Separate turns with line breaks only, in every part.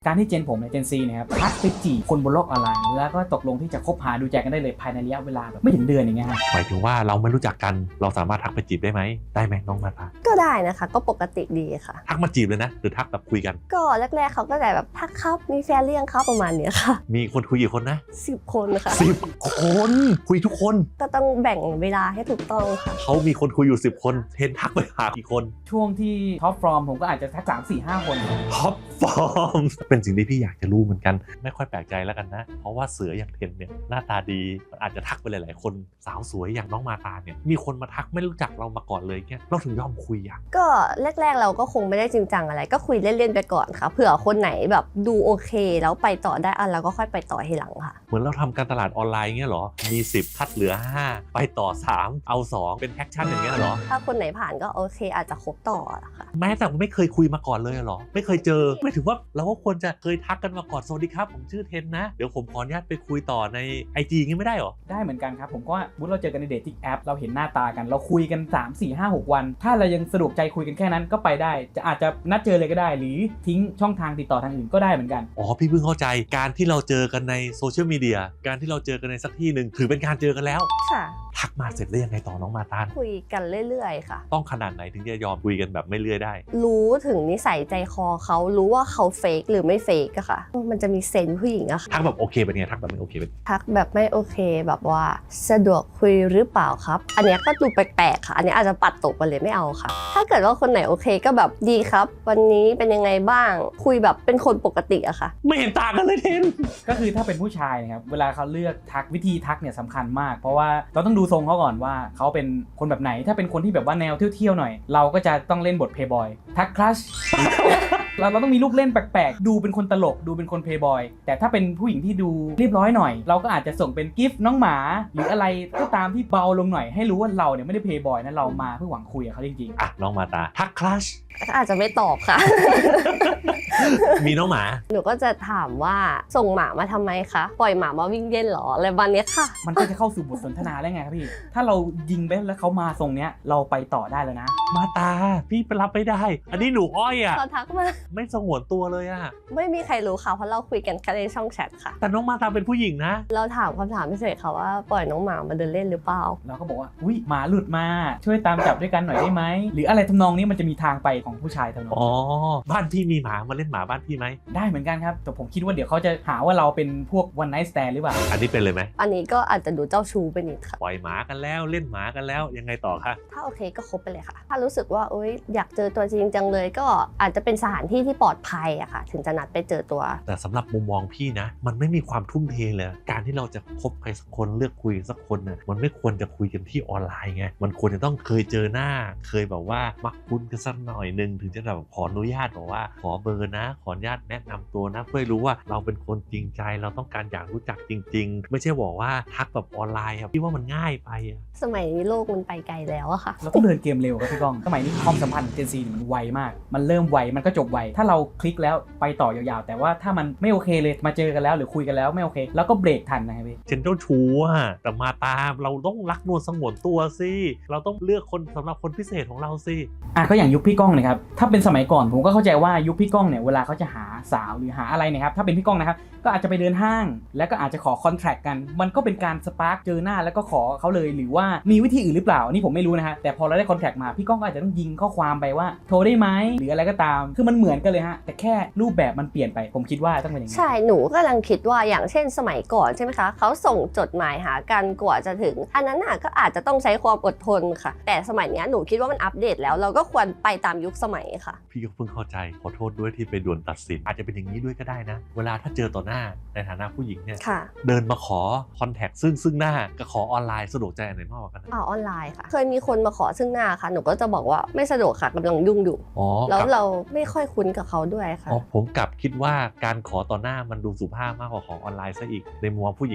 การที่เจนผมเนี่ยเจนซีเนี่ยครับทักไปจีบคนบนโลกออนไลน์แล้วก็ตกลงที่จะคบหาดูใจกันได้เลยภายในระยะเวลาแบบไม่ถึงเดือนอย่างเงี้ยครับ
หมายถึงว่าเราไม่รู้จักกันเราสามารถทักไปจีบได้ไหมน้องมาตา
ก็ได้นะคะก็ปกติดีค่ะ
ทักมาจีบเลยนะหรือทักแบบคุยกัน
ก็แรกๆเขาก็จะแบบทักครับมีแฟนเลี้ยงครับประมาณนี้ค่ะ
มีคนคุยกี่คนนะ
10 คนค่ะ
10 คนคุยทุกคน
ก็ต้องแบ่งเวลาให้ถูกต้องค่ะ
เขามีคนคุยอยู่10 คนเทนทักไปหากี่คน
ช่วงที่ท็อปฟอร์มผมก็อาจจะทัก3-4-5 คน
ท็อปฟอร์มเป็นสิ่งที่พี่อยากจะรู้เหมือนกันไม่ค่อยแปลกใจแล้วกันนะเพราะว่าเสืออย่างเทนเนี่ยหน้าตาดีอาจจะทักไปหลายๆคนสาวสวยอย่างน้องมาตาเนี่ยมีคนมาทักไม่รู้จักเรามาก่อนเลยเนี่ยเราถึงยอมคุยอ่ะ
ก็แรกๆเราก็คงไม่ได้จริงจังอะไรก็คุยเล่นๆไปก่อนค่ะเผื่อคนไหนแบบดูโอเคแล้วไปต่อได้เราก็ค่อยไปต่อทีหลังค่ะ
เหมือนเราทำการตลาดออนไลน์เงี้ยเหรอมี10คัดเหลือ5ไปต่อ3เอา2เป็นแอคชั่นอย่างเงี้ยเหรอ
ถ้าคนไหนผ่านก็โอเคอาจจะคบต่อค่ะ
แม้แต่ไม่เคยคุยมาก่อนเลยเหรอไม่เคยเจอไม่ถือว่าเราก็ควรจะเคยทักกันมาก่อนสวัสดีครับผมชื่อเทนนะเดี๋ยวผมขออนุญาตไปคุยต่อใน IG งี้ไม่ได้เหรอ
ได้เหมือนกันครับผมก็มุดเราเจอกันในเดทติ้งแอปเราเห็นหน้าตากันเราคุยกัน3-4-5-6 วันถ้าเรายังสะดวกใจคุยกันแค่นั้นก็ไปได้จะอาจจะนัดเจอเลยก็ได้หรือทิ้งช่องทางติดต่อทางอื่นก็ได้เหมือนกัน
อ๋อพี่เพิ่งเข้าใจการที่เราเจอกันในโซเชียลมีเดียการที่เราเจอกันในสักที่หนึ่งถือเป็นการเจอกันแล้ว
ค่ะ
ทักมาเสร็จแล้วยังไงต่อน้องมาตา
คุยกันเรื่อยๆค่ะ
ต้องขนาดไหนถึงจะยอมคุยกันแบบไม่เลื่อยได้
รู้ถึงนิสัยใจคอเขารู้ว่าเขาเฟกหรือไม่เฟกอะค่ะมันจะมีเซนส์ผู้หญิงอะค่ะ
ทักแบบโอเคเป็นไงทักแบบไม่โอเคเป็น
ทักแบบไม่โอเคแบบว่าสะดวกคุยหรือเปล่าครับอันนี้ก็ดูแปลกๆค่ะอันนี้อาจจะปัดตกไปเลยไม่เอาค่ะถ้าเกิดว่าคนไหนโอเคก็แบบดีครับวันนี้เป็นยังไงบ้างคุยแบบเป็นคนปกติอะค่ะ
ไม่เห็นต่างกันเลยเทน
ก็คือถ้าเป็นผู้ชายนะครับเวลาเขาเลือกทักวิธีทักเนี่ยสำคัญมากเพราะว่าเราต้องดูทรงเขาก่อนว่าเขาเป็นคนแบบไหนถ้าเป็นคนที่แบบว่าแนวเที่ยวๆหน่อยเราก็จะต้องเล่นบทเพย์บอยทักคลัช เราต้องมีลูกเล่นแปลกๆดูเป็นคนตลกดูเป็นคนเพย์บอยแต่ถ้าเป็นผู้หญิงที่ดูเรียบร้อยหน่อยเราก็อาจจะส่งเป็นกิฟต์น้องหมาหรืออะไรก็ตามที่เบาลงหน่อยให้รู้ว่าเราเนี่ยไม่ได้เพย์บอยนะเรามาเพื่อหวังคุยกับเขาจริง
ๆอ่ะน้องมาตาทักคลัช
ก็อาจจะไม่ตอบค่ะ
มีน้องหมา
หนูก็จะถามว่าส่งหมามาทำไมคะปล่อยหมามาวิ่งเล่นหรออะไรบ้านนี้ค่ะ
มันก็จะเข้าสู่บทสนทนาได้ไงครับพี่ถ้าเรายิงไปแล้วเขามาทรงเนี้ยเราไปต่อได้แล้วนะ
มาตาพี่ไปรับไม่ได้อันนี้หนูอ้อยอ่ะ
เขาทักมา
ไม่สงวนตัวเลยอ่ะ
ไม่มีใครรู้ค่ะเพราะเราคุยกันแค่ในช่องแชทค่ะ
แต่น้องมาตาเป็นผู้หญิงนะ
เราถามคำถามพิเศษค่ะว่าปล่อยน้องหมามาเดินเล่นหรือเปล่า
เราก็บอกว่าอุ้ยหมาหลุดมาช่วยตามจับด้วยกันหน่อยได้ไหมหรืออะไรทำนองนี้มันจะมีทางไปของผู้ชายทำนอง
อ๋อบ้านพี่มีหมามาเล่นหมาบ้านพี่ไหม
ได้เหมือนกันครับแต่ผมคิดว่าเดี๋ยวเขาจะหาว่าเราเป็นพวก one night stand หรือเปล่า
อันนี้เป็นเลยไหม
อันนี้ก็อาจจะดูเจ้าชู้ไปนิดค่ะ
ปล่อยหมากันแล้วเล่นหมากันแล้วยังไงต่อคะ
ถ้าโอเคก็คบไปเลยค่ะถ้ารู้สึกว่าโอ๊ยอยากเจอตัวจริงจังเลยก็อาจจะเป็นสถานที่ที่ปลอดภัยอะค่ะถึงจะนัดไปเจอตัว
แต่สำหรับมุมมองพี่นะมันไม่มีความทุ่มเทเลยการที่เราจะคบใครสักคนเลือกคุยสักคนน่ะมันไม่ควรจะคุยกันที่ออนไลน์ไงมันควรจะต้องเคยเจอหน้าเคยแบบว่ามักคุ้นกันสักหน่อยนึงถึงจะแบบขออนุญาตบอกว่าขอเบอร์นะขออนุญาตแนะนำตัวนะเพื่อรู้ว่าเราเป็นคนจริงใจเราต้องการอยากรู้จักจริงๆไม่ใช่บอกว่าทักแบบออนไลน์ครับพี่ว่ามันง่ายไปอะ
สมัยนี้โลกมันไปไกลแล้วอะค่ะ
เราต้องเดินเกมเร็วครับพี่ก้องสมัยนี้ความสัมพันธ์เจนซีมันไวมากมันเริ่มไวมันก็จบไวถ้าเราคลิกแล้วไปต่อยาวๆแต่ว่าถ้ามันไม่โอเคเลยมาเจอกันแล้วหรือคุยกันแล้วไม่โอเคแล้วก็เบรกทันนะครับพี่
เจนเจ้าชู้อะแต่มาตามเราต้องรักนวลสงวนตัวสิเราต้องเลือกคนสำหรับคนพิเศษของเราสิ
ก็อย่างยุคพี่ก้องนะครับถ้าเป็นสมัยก่อนผมก็เข้าใจว่ายุคพี่ก้องเนี่ยเวลาเขาจะหาสาวหรือหาอะไรเนี่ยครับถ้าเป็นพี่ก้องนะครับก็อาจจะไปเดินห้างแล้วก็อาจจะขอคอนแทรคกันมันก็เป็นการสปาร์กเจอหน้าแล้วก็ขอเขาเลยหรือว่ามีวิธีอื่นหรือเปล่านี่ผมไม่รู้นะฮะแต่พอเราได้คอนแทรคมาพี่ก้องก็อาจจะต้องยิงข้อความไปว่าโทรได้ไหมหรืออะไรก็ตามคือมันเหมือนกันเลยฮะแต่แค่รูปแบบมันเปลี่ยนไปผมคิดว่าต้องเป็นอย่างนี้
ใช่หนูกำลังคิดว่าอย่างเช่นสมัยก่อนใช่ไหมคะเขาส่งจดหมายหากันกว่าจะถึงอันนั้นน่ะก็อาจจะต้องใช้ความอดทนค่ะแต่สมัยนี้หนูคิดว่ามันอัปเดตแล้วเราก็ควรไปตามยุคสมัยค่ะ
พี่ก็เพิ่งเข้าใจขอโทษด้วยที่ไปด่วนตัดสินอาจจะเป็นอย่างนี้ด้วยก็ได้นะเวลาถ้าเจอต่อหน้าในฐานะผู้หญิงเนี่ยเดินมาขอคอนแทคซึ่งหน้ากับขอออนไลน์สะดวกใจอันไหนมากกว่ากัน
ออนไลน์ค่ะเคยมีคนมาขอซึ่งหน้าค่ะหนูก็จะบอกว่าไม่สะดวกค่ะกำลังยุ่งอยู่แล้วเราไม่ค่อยคุ้นกับเขาด้วยค่ะ
ผมกลับคิดว่าการขอต่อหน้ามันดูสุภาพมากกว่าขอออนไลน์ซะอีกในมุมผู้หญิงนะ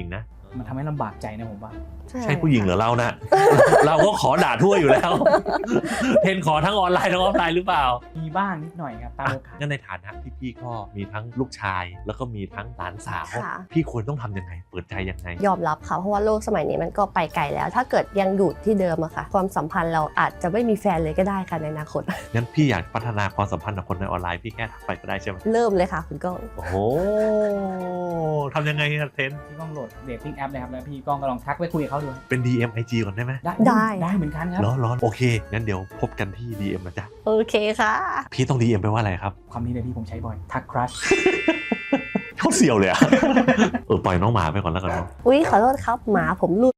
มันทำให้ลำบากใจนะผมว่า
ใช่ผู้หญิงเหรือเรานะ เราก็ขอด่าทั่วอยู่แล้ว เทนขอทั้งออนไลน์ทั้งออฟไลน์หรือเปล่า
มีบ้างนิดหน่อยครับตามโอกาส
งั้นในฐานะที่พี่ก็มีทั้งลูกชาย แล้วก็มีทั้งหลานสาว
ค่ะ
พี่ควรต้องทำยังไง เปิดใจยังไง
ยอมรับค่ะเพราะว่าโลกสมัยนี้มันก็ไปไกลแล้ว ถ้าเกิดยังอยู่ที่เดิมอะค่ะ ความสัมพันธ์เราอาจจะไม่มีแฟนเลยก็ได้ค่ะในอนาคต
งั้นพี่อยากพัฒนาความสัมพันธ์กับคนในออนไลน์พี่แค่ทักไปก็ได้ใช่ไหม
เริ่มเลยค่ะคุณก้อง
โอ้โหทำยังไงครับเทน
พี่ก้องโหลดเดทติ้งแอปเลยครับแล้วพี่ก้องก็ลองทักไปคุยกับเขาดู
เป็น DM IG ก่อนได้ไหม
ได้เหมือนกันครับ
ร้อนโอเค งั้นเดี๋ยวพบกันที่ DM นะจ๊ะ
โอเคค่ะ
พี่ต้อง DM ไปว่าอะไรครับ
คำนี้เลยพี่ผมใช้บ่อยทักครัช
เขาเสียวเลยอะ ปล่อยน้องหมาไปก่อนแล้วกันเนาะ
อุ๊ยขอโทษครับหมาผมหลุด